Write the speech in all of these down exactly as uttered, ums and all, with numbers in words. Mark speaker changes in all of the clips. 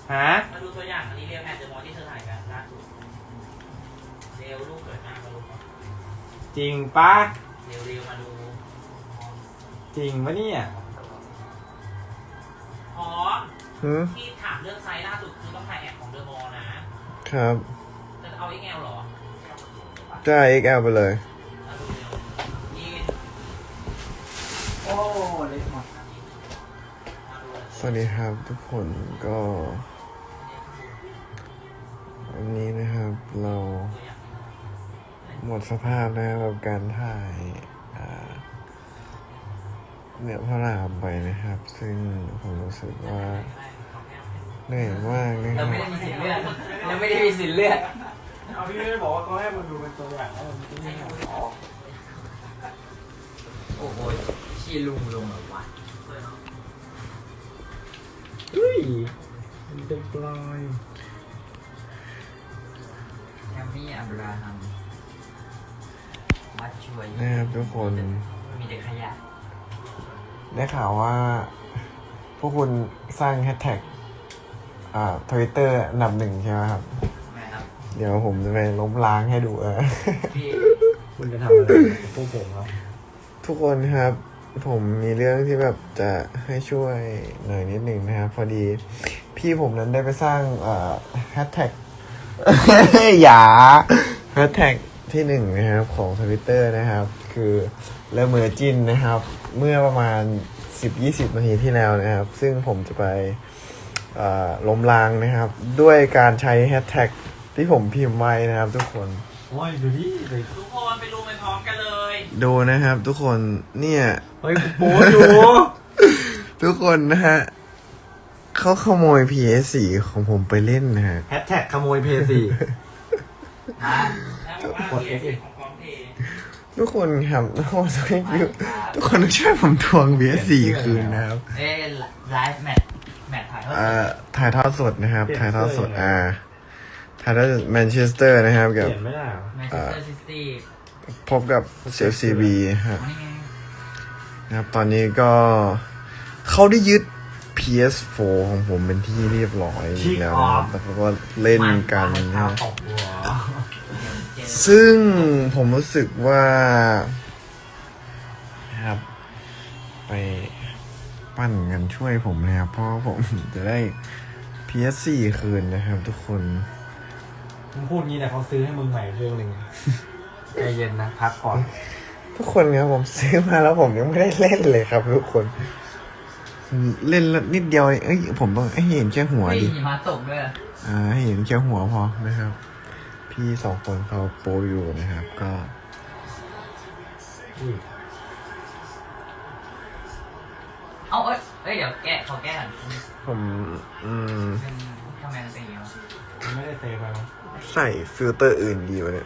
Speaker 1: ฮะ
Speaker 2: มาดูตัวอย่างอันนี้เรียลแอนเดอร์มอที่เธอถ่ายกันล่าสุดเร็วลูกเกิดมากมาดู
Speaker 1: จริงปะ
Speaker 2: เร็วเร็วมาดู
Speaker 1: จริงปะเนี่ย
Speaker 2: พร้อมที่ถามเรื่องไซส์ล่าสุดคือต้องถ่ายแอดของเดอร์มอนะครับจะเอา เอ็กซ์ แอล หรอ
Speaker 3: ใช่ เอ็กซ์ แอล ไปเลย
Speaker 2: โอ้เล็กหมด
Speaker 3: สวัสดีครับทุกคนก็วันนี้นะครับเราหมดสภาพนะครับการถ่ายเหนือพระรามไปนะครับซึ่งผมรู้สึกว่าเหนื่อยมากนะครับ
Speaker 2: เราไม่ได้มีสินเลือดเราไม่ได้มีสินเลือด
Speaker 1: เอาพี่ไม่ได้บอกว่าเขาให้มันดูเป็นตัวอย่างแล้วมันไม่ได้ออก
Speaker 2: โอ้โหชี้ลุงลงแบบวะ
Speaker 1: เฮ้ยมันเป็นปลอย
Speaker 2: แอมมี่อับราฮัมมาช่วย
Speaker 3: นะครับทุกคน
Speaker 2: มีแต่ขยะ
Speaker 3: ได้ข่าวว่าพวกคุณสร้างแฮชแท็กอ่าทวิตเตอร์อันดับหนึ่งใช่ไหมครับเดี๋ยวผมจะไปล้มล้างให้ดูเออ
Speaker 1: คุณจะทำอะไรพวกผมครับ
Speaker 3: ทุกคนครับผมมีเรื่องที่แบบจะให้ช่วยหน่อยนิดหนึ่งนะครับพอดีพี่ผมนั้นได้ไปสร้างแฮชแท็กอย่าแฮชแท็กที่หนึ่งนะครับของ Twitter นะครับคือเลเมอร์จินนะครับเมื่อประมาณ สิบถึงยี่สิบ นาทีที่แล้วนะครับซึ่งผมจะไปล้มล้างนะครับด้วยการใช้แฮชแท็กที่ผมพิมพ์ไว้นะครับทุกคน
Speaker 1: โอ้ยดูดิ
Speaker 2: ทุกคนไปดูไปพร้อมกันเลย
Speaker 3: ดูนะครับทุกคนเนี่ย
Speaker 1: เฮ้ยโป๊อยู่
Speaker 3: ทุกคนนะฮะเขาขโมย พี เอส โฟร์ ของผมไปเล่นนะฮะ
Speaker 1: แฮชแท็กขโมย พี เอส โฟร์
Speaker 2: กด F
Speaker 3: ทุกคนครับทุกคนทุกคนต้องช่วยผมทวง พี เอส โฟร์ คืนนะครับ
Speaker 2: เอ้ไลฟ์แมทแมทถ่ายทอด
Speaker 3: ถ่ายทอดสดนะครับถ่ายทอดสดอ่าถ่ายทอดแมนเชสเตอร์นะครับกับ
Speaker 2: แมนเชสเตอร์ซิตี้
Speaker 3: พบกับเชลซี บีครับนะครับตอนนี้ก็เขาได้ยึด พี เอส โฟร์ ของผมเป็นที่เรียบร้อยแล้วนะครับแล้วเขาก็เล่นกันนะซึ่งผมรู้สึกว่าครับไปปั้นกันช่วยผมนะครับเพราะผมจะได้ พี เอส โฟร์ คืนนะครับทุกคน
Speaker 1: มึงพูดงี้แต่เขาซื้อให้มึงใหม่เรื่องหนึ่งใจเย็นนะพักก่อน
Speaker 3: ทุกคนครับผมซื้อมาแล้วผมยังไม่ได้เล่นเลยครับทุกคนเล่นนิดเดียวเอ้ยผมต้องให้เห็นแค่หัวดิ
Speaker 2: มาตกด้วย
Speaker 3: อ่าให้เห็นแค่หัวพอนะครับพี่สองคนเขาโปรอยู่นะครับก็
Speaker 2: เอาเอ้ยเอ้ยเดี๋ยวแกะขอแกะก่อน
Speaker 3: ผมอืม
Speaker 2: ทำไมมันเป็นอย่างนี้วะ
Speaker 1: ไม่ได้เซฟไปมั้ง
Speaker 3: ใส่ฟิลเตอร์อื่นดีวะเนี่ย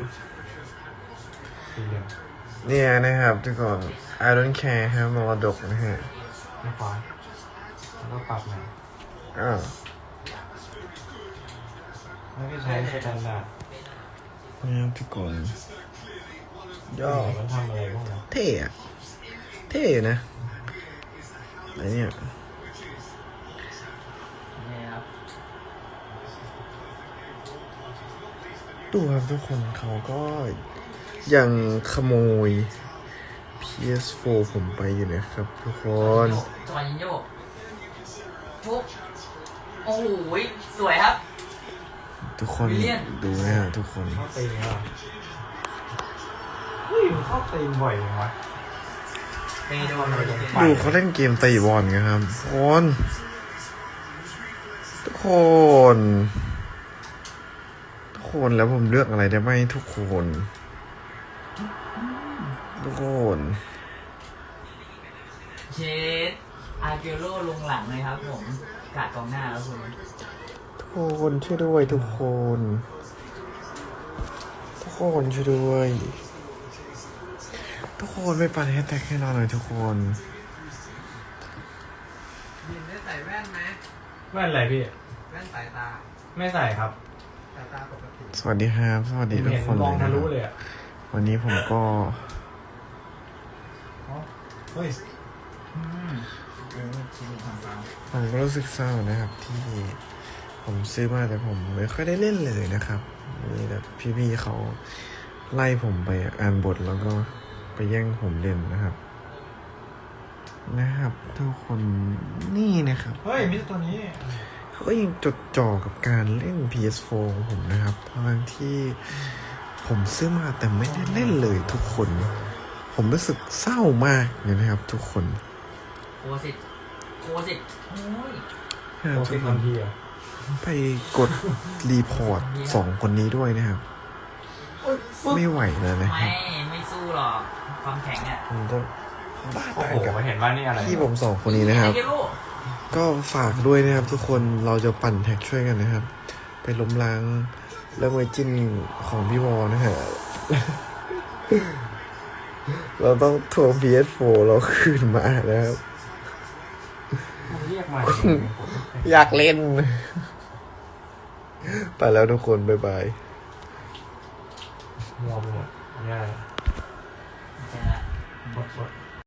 Speaker 3: เนี่ยนะครับทุกคน I don't care ครับมรดกนะฮะ
Speaker 1: ไม่ฟ้าแล้วก็ปรับใหม่
Speaker 3: อ้าว
Speaker 1: ไม่ได้ใช้สแตนดาร์ด
Speaker 3: นะครับทุกคนย่อ
Speaker 1: มันทำอะไรพวกนั้น
Speaker 3: เท่อะเท่นะไอเนี่ยดูครับทุกคนเขาก็ยังขโมย พี เอส โฟร์ ผมไปอยู่นะครับทุกคน
Speaker 2: จอยินโยกทุกโอ้โหสวยครับ
Speaker 3: ทุกคนดูนะฮะทุกคน
Speaker 1: เข้าตีนเหรอเฮ้ยมันเข้าตีนบ่อยเลยวะ
Speaker 3: ดูเขาเล่นเกมตีบอลกันครับทุกคนทุกคนทุกคนแล้วผมเลือกอะไรได้ไหมทุกคนทุกคน
Speaker 2: เชดอาร์เกโร่ลงหลังเลยครับผมกาดกองหน้าแล้วคุณ
Speaker 3: ทุกคนช่วยด้วยทุกคนทุกคนช่วยด้วยทุกคนไม่ปัดแฮชแท็กให้เราหน่อยทุกคน
Speaker 2: ยินได้ใส่แว่นไหม
Speaker 1: แว่นอะไรพี่
Speaker 2: แว่นสายตา
Speaker 1: ไม่ใส่ครับ
Speaker 2: สายตาปกติ
Speaker 3: สวัสดีครับสวัสดีทุกคน
Speaker 1: เลยนะ
Speaker 3: วันนี้ผมก็
Speaker 1: เฮ้ย
Speaker 3: ผมก็รู้สึกเศร้านะครับที่ผมซื้อมาแต่ผมไม่ค่อยได้เล่นเลยนะครับมีแบบพี่ๆเขาไล่ผมไปอ่านบทแล้วก็ไปแย่งผมเล่นนะครับ นะครับทุกคนนี่นะครับ
Speaker 1: เฮ้ยมิสตัวนี้
Speaker 3: เขาก็ยังจดจ่อกับการเล่น พี เอส โฟร์ ของผมนะครับทั้งที่ผมซื้อมาแต่ไม่ได้เล่นเลยทุกคน ผมรู้สึกเศร้ามากเลยนะครับ ทุกคน
Speaker 2: โคสิตโคสิตโอ้ย
Speaker 3: นะครับ
Speaker 1: โอ
Speaker 3: ทุ
Speaker 1: เค
Speaker 3: กค
Speaker 1: ทั
Speaker 3: น
Speaker 1: นทีอ่ะ
Speaker 3: ไปกดรีพอร์ตสองคนนี้ด้วยนะครับ ไม่ไหวแล้วนะค
Speaker 2: ไม่
Speaker 3: รับ
Speaker 2: ไม่สู้หรอกความแข็งอ่ะ
Speaker 3: ผมจะบ้า
Speaker 1: โอ้
Speaker 3: ตาย
Speaker 1: โห
Speaker 3: กับ
Speaker 1: เห็นว่านี่อะไร
Speaker 3: พี่ผมสองคนนี้นะครับ
Speaker 2: ไอ้เกลูก
Speaker 3: ก็ฝากด้วยนะครับทุกคนเราจะปั่นแท็กช่วยกันนะครับ ไปล้มล้างเรื่องไวจิ้นของพี่วอนะฮะ เราต้องทวง พี เอส โฟร์ เราคืนมานะครับ
Speaker 1: มึงเรียกมา
Speaker 3: อยากเล่น ไปแล้วทุกคน บ๊ายบาย
Speaker 1: มัวไปหมดเนี่ย
Speaker 2: เจอละ
Speaker 1: หมดหมด